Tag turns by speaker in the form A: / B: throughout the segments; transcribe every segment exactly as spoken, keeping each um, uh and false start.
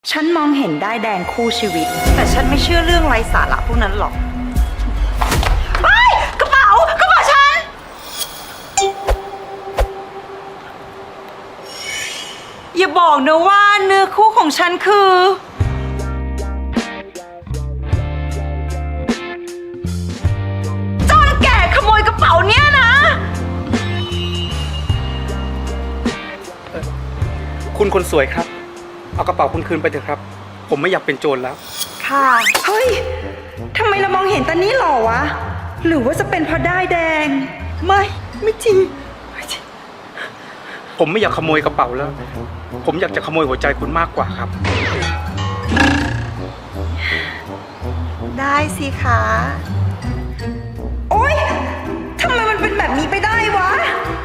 A: ฉันมองเห็นได้แดงคู่ชีวิตแต่ฉันไม่เชื่อเรื่องไร้สาระพวกนั้นหรอกไปกระเป๋ากระเป๋าฉันอย่าบอกนะว่าเนื้อคู่ของฉันคือจอนแก่ขโมยกระเป๋าเนี่ยนะ
B: คุณคนสวยครับเอากระเป๋าคุณคืนไปเถอะครับผมไม่อยากเป็นโจรแล้ว
A: ค่ะเฮ้ยทำไมเรามองเห็นตอนนี้หรอวะหรือว่าจะเป็นเพราะด้ายแดงไม่ไม่จริง
B: ผมไม่อยากขโมยกระเป๋าแล้วผมอยากจะขโมยหัวใจคุณมากกว่าครับ
A: ได้สิคะโอ๊ยทำไมมันเป็นแบบนี้ไปได้วะ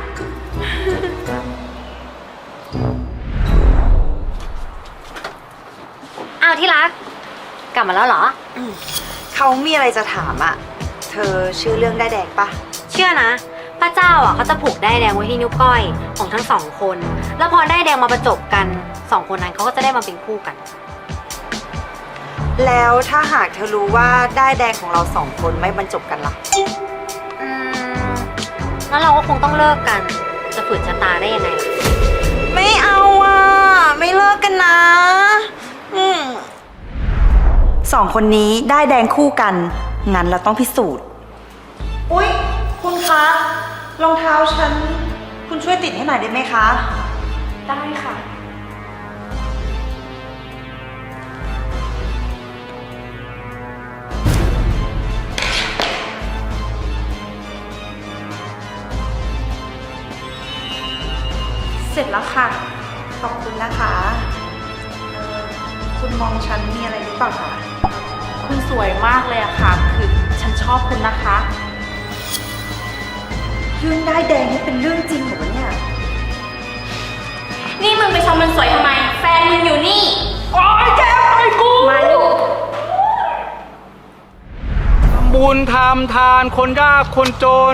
C: อ้าวที่รักกลับมาแล้วเหรอ
A: เขามีอะไรจะถามอ่ะเธอชื่อเรื่องได้แดงปะ
C: เชื่อนะพระเจ้าอ่ะเขาจะผูกได้แดงไว้ที่นิ้วก้อยของทั้งสองคนแล้วพอได้แดงมาประจบกันสองคนนั้นเขาก็จะได้มาเป็นคู่กัน
A: แล้วถ้าหากเธอรู้ว่าได้แดงของเราสองคนไม่บรรจบกันล่ะ
C: อืมงั้นเราก็คงต้องเลิกกันจะฝืนชะตาได้ยังไงล่ะ
A: ไม่เอาอ่ะไม่เลิกกันนะอืมสองคนนี้ได้แดงคู่กันงั้นเราต้องพิสูจน์อุ๊ยคุณคะรองเท้าฉันคุณช่วยติดให้หน่อยได้ไหมคะได้ค่ะเสร็จแล้วค่ะขอบคุณนะคะคุณมองฉันมีอะไรหรือเปล่าคะ
D: คุณสวยมากเลยอะค่ะคือฉันชอบคุณนะคะ
A: เรื่องได้แดงนี่เป็นเรื่องจริงเหรอเนี่ย
D: นี่มึงไปชมมันสวยทำไมแฟนมึงอยู่นี่
B: โอ๊ยแกไปกู
D: มาดู
B: บุญทำทานคนยากคนจน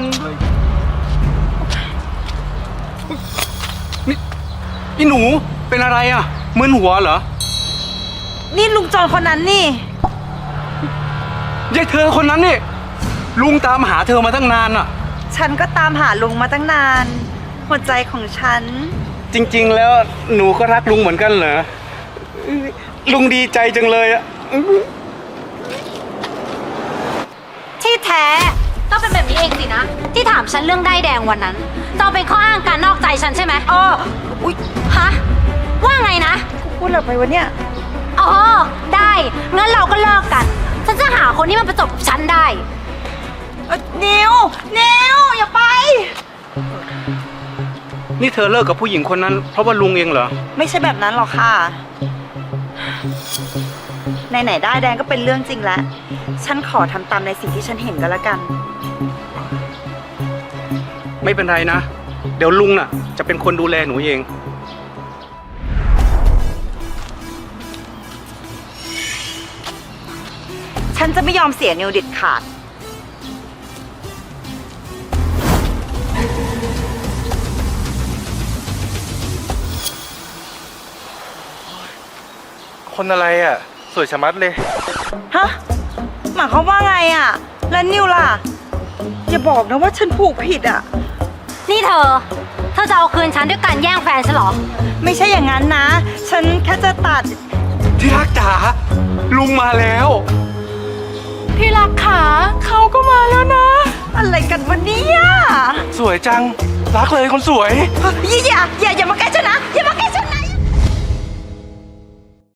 B: นี่นี่หนูเป็นอะไรอ่ะมึนหัวเหรอ
A: นี่ลุงจอนคนนั้นนี่
B: ยายเธอคนนั้นนี่ลุงตามหาเธอมาตั้งนานอ่ะ
A: ฉันก็ตามหาลุงมาตั้งนานหัวใจของฉัน
B: จริงๆแล้วหนูก็รักลุงเหมือนกันเหรอลุงดีใจจังเลยอ่ะ
C: ที่แท้ก็เป็นแบบนี้เองสินะที่ถามฉันเรื่องได้แดงวันนั้นจะเป็นข้ออ้างการนอกใจฉันใช่ไหม
A: เอออุ๊ย
C: ฮะว่าไงนะ
A: พูดอะไรไปวะเนี่ย
C: อ๋อได้งั้นเราก็เลิกกันฉันจะหาคนที่มันประจบกับฉันได้
A: นิวนิวอย่าไป
B: นี่เธอเลิกกับผู้หญิงคนนั้นเพราะว่าลุงเองเหรอ
A: ไม่ใช่แบบนั้นหรอกค่ะไหนๆได้แดงก็เป็นเรื่องจริงแล้วฉันขอทำตามในสิ่งที่ฉันเห็นก็แล้วกัน
B: ไม่เป็นไรนะเดี๋ยวลุงน่ะจะเป็นคนดูแลหนูเอง
A: ฉันจะไม่ยอมเสียนิวเด็ดขาด
E: คนอะไรอ่ะสวยชะมัดเลย
A: ฮะหมายความว่าไงอ่ะแล้วนิวล่ะอย่าบอกนะว่าฉันผูกผิดอ่ะ
C: นี่เธอเธอจะเอาคืนฉันด้วยการแย่งแฟนฉันเหรอ
A: ไม่ใช่อย่างนั้นนะฉันแค่จะตัด
B: ที่รักจ๋าลุงมาแล้ว
D: ที่รักขาเขาก็มาแล้วนะ
A: อะไรกันวันนี้
E: สวยจังรักเลยคนสวย
A: อย่าอย่า